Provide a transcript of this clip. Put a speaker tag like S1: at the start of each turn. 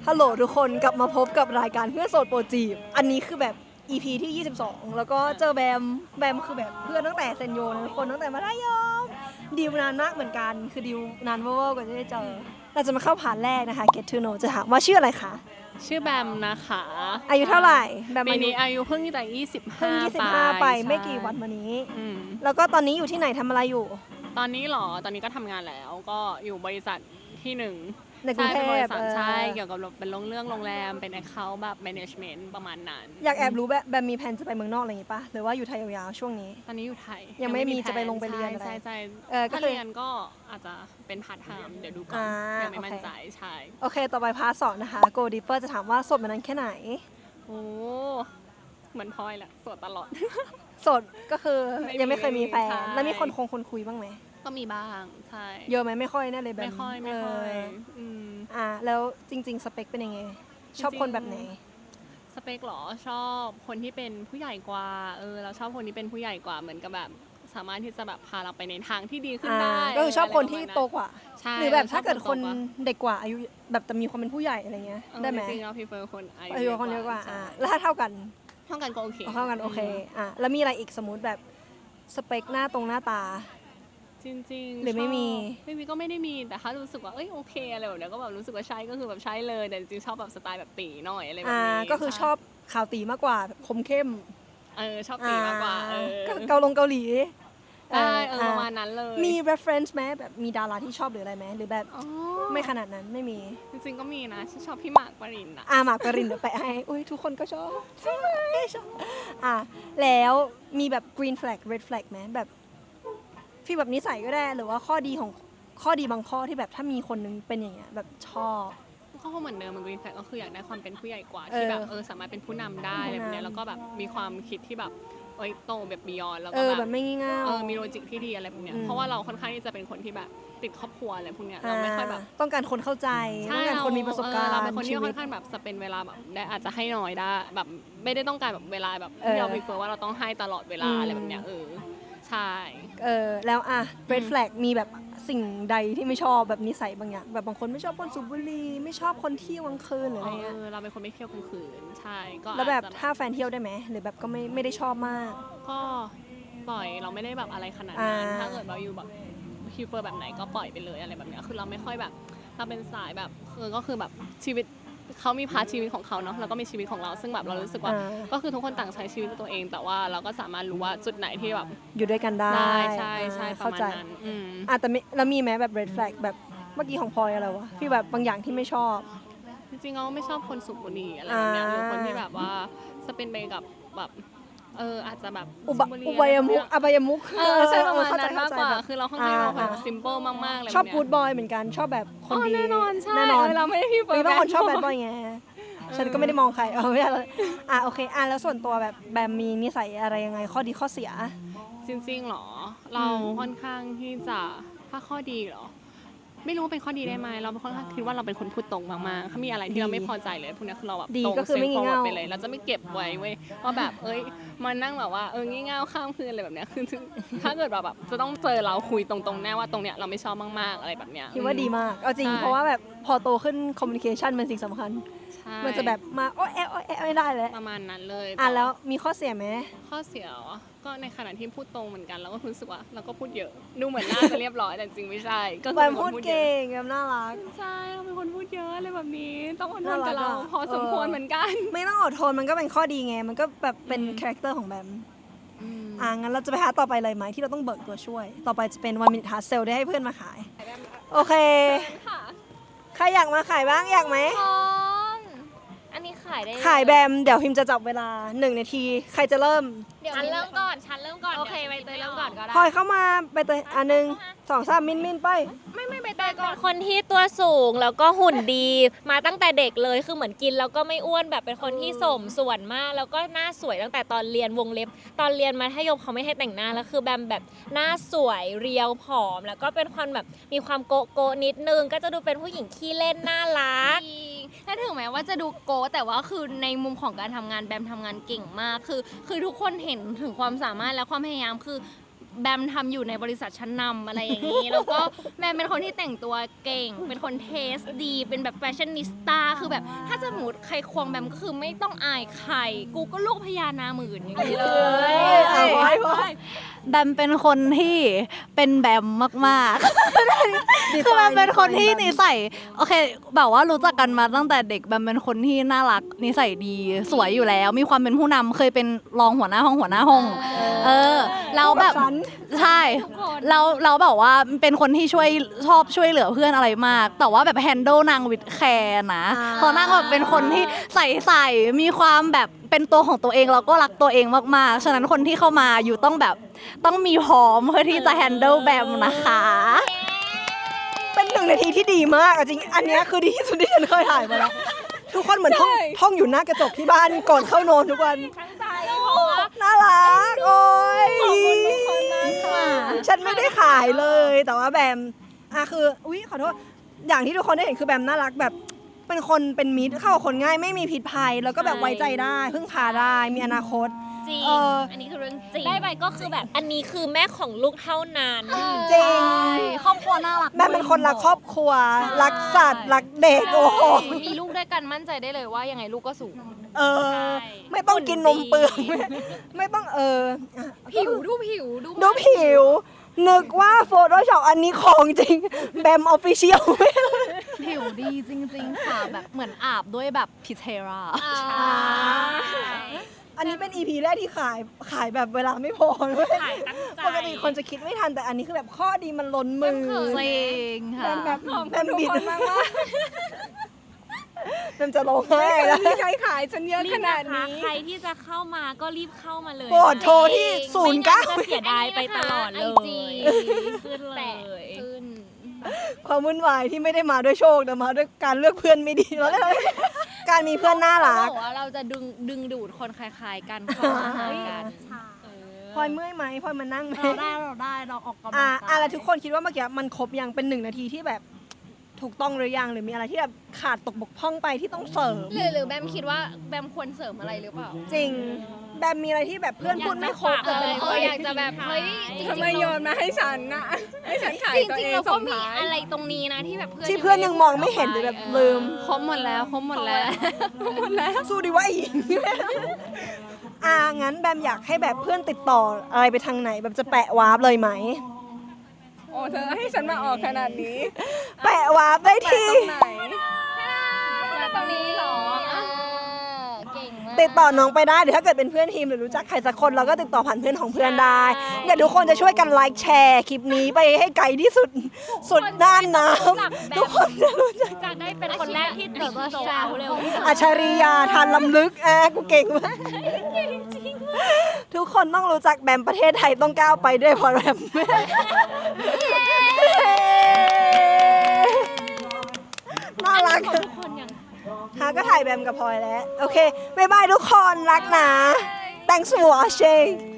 S1: ฮัลโหลทุกคนกลับมาพบกับรายการเพื่อนโสดโปรจีบอันนี้คือแบบ EP ที่ 22 แล้วก็เจอแบมคือแบบเพื่อนตั้งแต่เซนโยนะทุกคนตั้งแต่มัธยมดิวนานมากเหมือนกันคือดิวนานเวอร์กว่าจะได้เจอเราจะมาเข้าผ่านแรกนะคะ Get to know จะถามว่าชื่ออะไรคะ
S2: ชื่อแบมนะคะ
S1: อายุเท่าไหร่แบม
S2: ปีนี้อายุเพิ่งแต่
S1: 25ไปไม่กี่วันมานี้แล้วก็ตอนนี้อยู่ที่ไหนทำอะไรอยู่
S2: ตอนนี้หรอตอนนี้ก็ทำงานแล้วก็อยู่บริษัทที่หนึ่ง
S1: ในกรุงเทพ
S2: ใช่เกี่ยวกับเป็นเรื่องโรงแรมเป็น account แบบ management ประมาณนั้น
S1: อยากแอบรู้แบบมีแผนจะไปเมืองนอกอะไรอย่างงี้ป่ะหรือว่าอยู่ไทยยาวๆช่วงนี้
S2: ตอนนี้อยู่ไทย
S1: ยังไม่มีจะไปลงไปเรียนอะไร
S2: ใช่ถ้าเรียนก็อาจจะเป็นพาร์ทไทม์เดี๋ยวดูก่อนยังไม่มั่นใจใช่
S1: โอเคต่อไปพาร์ท 2นะคะ Go Deeper จะถามว่าโสดมานานแค่ไหน
S2: โอ้เหมือนพลอยแหละโสดตลอด
S1: โสดก็คือยังไม่เคยมีแฟนแล้วมีคนคุยบ้างไหม
S2: ก็มีบ้างใช่
S1: เยอะไหมไม่ค่อยแน่เลยแบบ
S2: ไม่ค่อย
S1: แล้วจริงๆสเปคเป็นยังไงชอบคนแบบไหน
S2: สเปคหรอชอบคนที่เป็นผู้ใหญ่กว่าเราชอบคนที่เป็นผู้ใหญ่กว่าเหมือนกับแบบสามารถที่จะแบบพาเราไปในทางที่ดีขึ้นได้
S1: ก็คือชอบคนที่โตกว่าหรือแบบถ้าเกิดคนเด็กกว่าอายุแบบแต่มีความเป็นผู้ใหญ่อะไรเงี้ยได้ไหม
S2: จริงๆเรา prefer คนอา
S1: ยุคนเยอะกว่าแล้วถ้าเท่ากัน
S2: ก็โอเค
S1: โอเคแล้วมีอะไรอีกสมมติแบบสเปคหน้าตา
S2: จริงๆ
S1: หรือไม่มี
S2: ก็ไม่ได้มีแต่ถ้ารู้สึกว่าโอเคอะไรแบบนี้ก็แบบรู้สึกว่าใช่ก็คือแบบใช่เลยแต่จริงๆชอบแบบสไตล์แบบตีหน่อยอะไรแบบนี้
S1: ก็คือชอบขาวตีมากกว่าคมเข้ม
S2: ชอบตีมากกว่า
S1: เกาหลี
S2: ได้ประมาณนั้นเลย
S1: มี reference ไหมแบบมีดาราที่ชอบหรืออะไรไหมหรือแบบไม่ขนาดนั้นไม่มี
S2: จริงๆก็มีนะชอบพี่หมากปรินนะ
S1: หมากปรินเดี๋ยวไปให้ทุกคนก็ชอบใช่ไหมชอบแล้วมีแบบ green flag red flag ไหมแบบฟีลแบบนิสัยก็ได้หรือว่าข้อดีบางข้อที่แบบถ้ามีคนนึงเป็นอย่างเงี้ยแบบชอบ
S2: ก็เหมือนเดิมมันกรีนแฟลกก็คืออยากได้ความเป็นผู้ใหญ่กว่าที่แบบสามารถเป็นผู้นำได้อะไรแบบนี้แล้วก็แบบมีความคิดที่แบบโตแบบบียอนแล้วก็
S1: แบบไม่งี่เง่า
S2: มีโลจิกที่ดีอะไรแบบนี้เพราะว่าเราค่อนข้างที่จะเป็นคนที่แบบติดครอบครัวอะไรพวกเนี้ยเราไม่ค่อยแบบ
S1: ต้องการคนเข้าใจต้องการคนมีประสบการณ์
S2: เราเป็นคนที่ค่อนข้างแบบสเปนเวลาแบบได้อาจจะให้น้อยได้แบบไม่ได้ต้องการแบบเวลาแบบเราพิเศษว่าเราต้องให้ตลอดเวลาอะไรแบบเนี้ยใช่
S1: แล้วred flag มีแบบสิ่งใดที่ไม่ชอบแบบนิสัยบางอย่างแบบบางคนไม่ชอบคนสูบบุหรี่ไม่ชอบคนเที่ยวกลางคืนหรืออะไรเงี้ย
S2: เราเป็นคนไม่เที่ยวกลางคืนใช่ก็
S1: แล้วแบบถ้าแฟนเที่ยวได้ไหมหรือแบบก็ไม่ได้ชอบมาก
S2: ก็ปล่อยเราไม่ได้แบบอะไรขนาดนั้นถ้าเกิดเราอยู่แบบคิวเฟอร์แบบไหนก็ปล่อยไปเลยอะไรแบบนี้คือเราไม่ค่อยแบบเราเป็นสายแบบก็คือแบบชีวิตเขามีพาร์ทชีวิตของเขาเนาะแล้วก็มีชีวิตของเราซึ่งแบบเรารู้สึกว่าก็คือทุกคนต่างใช้ชีวิตตัวเองแต่ว่าเราก็สามารถรู้ว่าจุดไหนที่แบบ
S1: อยู่ด้วยกันได้
S2: ใช่ประมาณนั้น
S1: แต่แล้วมีไหมแบบ red flag แบบเมื่อกี้ของพลอยอะไรวะที่แบบบางอย่างที่ไม่ชอบ
S2: จริงๆเราไม่ชอบคนสูบบุหรี่อะไรแบบนี้หรือคนที่แบบว่าจะเป็นไปกับแบบอาจจะแบบ
S1: อบายมุก
S2: ใช่ประมาณนั้นมากกว่าคือเราค่อนข้างเราแบบซิมเปิลมากๆเลย
S1: ชอบกู๊ดบอยเหมือนกันชอบแบบคนดี
S2: แน่นอนใช่เราไม่ได้พี่เฟิร์
S1: นมีบางคนชอบแบดบอยไงฉันก็ไม่ได้มองใครไม่ได้เลยโอเคแล้วส่วนตัวแบบแบมมีนิสัยอะไรยังไงข้อดีข้อเสีย
S2: จริงๆหรอเราค่อนข้างที่จะถ้าข้อดีหรอไม่รู้เป็นข้อดีได้ไหมเราค่อนข้างคิดว่าเราเป็นคนพูดตรงมากๆถ้ามีอะไรที่เราไม่พอใจเลยพวกนี้คือเราแบบตรงเซฟฟอร์ดไปเลยเราจะไม่เก็บไว้เว้ยว่าแบบมานั่งแบบว่างี่เง่าข้ามคืนอะไรแบบนี้คือถ้าเกิดแบบจะต้องเจอเราคุยตรงๆแน่ว่าตรงเนี้ยเราไม่ชอบมากๆอะไรแบบเนี้ย
S1: คิดว่าดีมากเอาจริงเพราะว่าแบบพอโตขึ้นคอมมิวนิเคชันเป็นสิ่งสำคัญมันจะแบบมาโอ๊แอะไม่ได้เลย
S2: ประมาณนั้นเลย
S1: แล้วมีข้อเสียไหม
S2: ข้อเสียก็ในขณะที่พูดตรงเหมือนกันเราก็รู้สึกว่าเราก็พูดเยอะดูเหมือนน่าจะเรียบร้อยแต่จริงไม่ใช่
S1: ก็คือพูดเก่งแบบน่ารัก
S2: ใช่เราเป็นคนพูดเยอะอะไรแบบนี้ต้องอดทนกับเราพอสมควรเหมือนกัน
S1: ไม่ต้องอดทนมันก็เป็นข้อดีไงมันก็แบบเป็นคาแรคเตอร์ของแบมงั้นเราจะไปหาต่อไปเลยไหมที่เราต้องเบิกตัวช่วยต่อไปจะเป็น1 minute hard sell ได้ให้เพื่อนมาขายโอเคใครอยากมาขายบ้างอยากไหม
S3: อันนี้ขายได้
S1: ขายแบมเดี๋ยวพิมจะจับเวลา1 นาทีใครจะเริ่ม
S3: ฉันเริ่มก่อนโอเคใบเตยเริ่มก่อนก็ได้
S1: พลอยเข้ามาใบเตย1 2 3มินไป
S3: ไม่ใบเตยก่อนคนที่ตัวสูงแล้วก็หุ่นดีมาตั้งแต่เด็กเลยคือเหมือนกินแล้วก็ไม่อ้วนแบบเป็นคนที่สมส่วนมากแล้วก็หน้าสวยตั้งแต่ตอนเรียนวงเล็บตอนเรียนมัธยมเขาไม่ให้แต่งหน้าแล้วคือแบมแบบหน้าสวยเรียวผอมแล้วก็เป็นคนแบบมีความโกนิดนึงก็จะดูเป็นผู้หญิงขี้เล่นน่ารัก
S4: ถ้าถึงแม้ว่าจะดูโก้แต่ว่าคือในมุมของการทำงานแบมทำงานเก่งมากคือทุกคนเห็นถึงความสามารถและความพยายามคือแบมทำอยู่ในบริษัทชั้นนำอะไรอย่างนี้ แล้วก็แบมเป็นคนที่แต่งตัวเก่ง เป็นคนเทสดี เป็นแบบแฟชั่นนิสต้าคือแบบถ้าจะสมมติใครควงแบมก็คือไม่ต้องอายใคร กูก็ลูกพญานาคหมื่นอย่างนี้เลย
S1: เอาไว้
S5: แบมเป็นคนที่เป็นแบมมากๆ คือแบมเป็นคนที่นิสัยโอเคแบบว่ารู้จักกันมาตั้งแต่เด็กแบมเป็นคนที่น่ารักนิสัยดีสวยอยู่แล้ว มีความเป็นผู้นำเคยเป็นรองหัวหน้าห้องแล้วแบบ
S1: ฉัน
S5: ใช่เราแบบว่าเป็นคนที่ชอบช่วยเหลือเพื่อนอะไรมาก แต่ว่าแบบแฮนด์ลนางวิดแคร์นะเพราะนางแบบเป็นคนที่ใส่มีความแบบเป็นตัวของตัวเองแล้วก็รักตัวเองมากๆฉะนั้นคนที่เข้ามาอยู่ต้องมีพร้อมเพื่อที่จะแฮนด์ลแบมนะคะ
S1: เป็น1 นาทีที่ดีมากอะจริง อันเนี้ยคือดีที่สุดที่ฉันเคยถ่ายมาแล้ว ทุกคนเหมือนท่องอยู่หน้ากระจกที่บ้านก่อนเข้านอนทุกวัน
S3: ทั้งใจเพราะว่า
S1: น่ารัก โอ้ย
S3: ขอบคุณทุกคนมากค่ะ
S1: ฉันไม่ได้ขายเลย แต่ว่าแบมคืออุ๊ยขอโทษ อย่างที่ทุกคนได้เห็นคือแบมน่ารักแบบ เป็นคนเป็นมิตรเข้ากับคนง่ายไม่มีพิษภัย แล้วก็แบบไว้ใจได้พึ่งพาได้มีอนาคต
S3: จริง
S4: อันนี้คือเรื่องจริง
S3: ได้ไปก็คือแบบอันนี้คือแม่ของลูกเท่านั้น
S1: จริง
S5: ครอบครัวน่ารัก
S1: แบมเป็นคนรักครอบครัว รักสัตว์รักเด็กโอ้โห
S4: มีลูกด้วยกันมั่นใจได้เลยว่ายังไงลูกก็สูง
S1: เออ ไม่ต้องกินนมเปลือกไม่ต้องอ่ะ
S4: ผิวดูผิว
S1: ดูผิว นึกว่าโฟโต้ช็อปอันนี้ของจริง แบมออฟฟิเชียล
S5: ผิวดีจริงๆค่ะแบบเหมือนอาบด้วยแบบพิเทรา
S1: อันนี้เป็น EP แรกที่ขายแบบเวลาไม่พอเลย
S3: ขายตั้งใจ
S1: ปกติคนจะคิดไม่ทันแต่อันนี้คือแบบข้อดีมันล้นมือ
S5: จริงค่ะ
S1: แบบบิดแบมจะร้องไห้แล้ว
S2: มีใครขายฉันเยอะ
S3: รี
S2: ข
S3: บ
S2: นา
S3: นะ
S2: ด
S3: คะ
S2: นี้
S3: ใครที่จะเข้ามาก็รีบเข้ามาเลย
S1: โปรดโทรที่
S3: ไม่งั้นจะ
S1: 09
S3: เสียดายไปตลอดเลย
S4: IG
S3: ขึ้นเล
S4: แตะ
S3: ย
S4: ขึ้น
S1: ความวุ่นวายที่ไม่ได้มาด้วยโชคแต่มาด้วยการเลือกเพื่อนไม่ดีแล้วการมีเพื่อนน่ารัก
S4: บอกว่าเราจะดึงดูดคนคล้ายๆกันเข้ามาหากัน
S1: พลอยเมื่อยไหมพลอยมานั่งไหม
S5: เราออกกำลังกาย
S1: แล้วทุกคนคิดว่าเมื่อกี้มันครบยังเป็น1 นาทีที่แบบถูกต้องหรือยังหรือมีอะไรที่แบบขาดตกบกพร่องไปที่ต้องเสริม
S4: หรือแบมคิดว่าแบมควรเสริมอะไรหรือเปล่า
S1: จริงแบมมีอะไรที่แบบเพื่อนพูดไม่ครบแต่เป็น
S4: อยากจะแบบเฮ้ยจริงๆ
S2: ทำไมโยนมาให้ฉันนะให้ฉันขาย
S4: จ
S2: ตัว
S4: ริง
S2: เอ
S4: ๆ
S2: ง
S4: เราก็
S2: ส่ง
S4: มี
S2: ท้าย
S4: อะไรตรงนี้นะที่แบบเพื่อน
S1: ที่เพื่อนยังมองไม่เห็นหรือแบบลืม
S2: ครบหมดแล้วครบหมดแล้วหมดแล้ว
S1: สู้ดีว่าอีก งั้นแบมอยากให้แบบเพื่อนติดต่ออะไรไปทางไหนแบบจะแปะวาร์ปเลยไหม
S2: โอ้เธอให้ฉันมาออกขนาดนี้
S1: แปะวาร์ปได้
S2: แปะ
S1: ที่
S2: ตรงไหน
S4: ตรงนี้เหรอเก่งมาก
S1: ติดต่อน้องไปได้หรือถ้าเกิดเป็นเพื่อนทีมหรือรู้จักใครสักคนเราก็ติดต่อผ่านเพื่อนของเพื่อนได้เดี๋ยวทุกคนจะช่วยกันไลค์แชร์คลิปนี้ไปให้ไกลที่สุดสุดด้านน้ำทุกคนจะรู้จัก
S3: จะได้เป็นคนแรกที่ติดโซลเอาท์เร็วที่สุด
S1: อัจฉริยาทานลำลึกกูเก่งมากทุกคนต้องรู้จักแบมประเทศไทยต้องก้าวไปด้วยเพราะแบมน่ารัก
S3: ทุกคนยัง
S1: ก็ถ่ายแบมกับพลอยแล้ว โอเค บ๊ายบายทุกคนรักนะ thanks for watching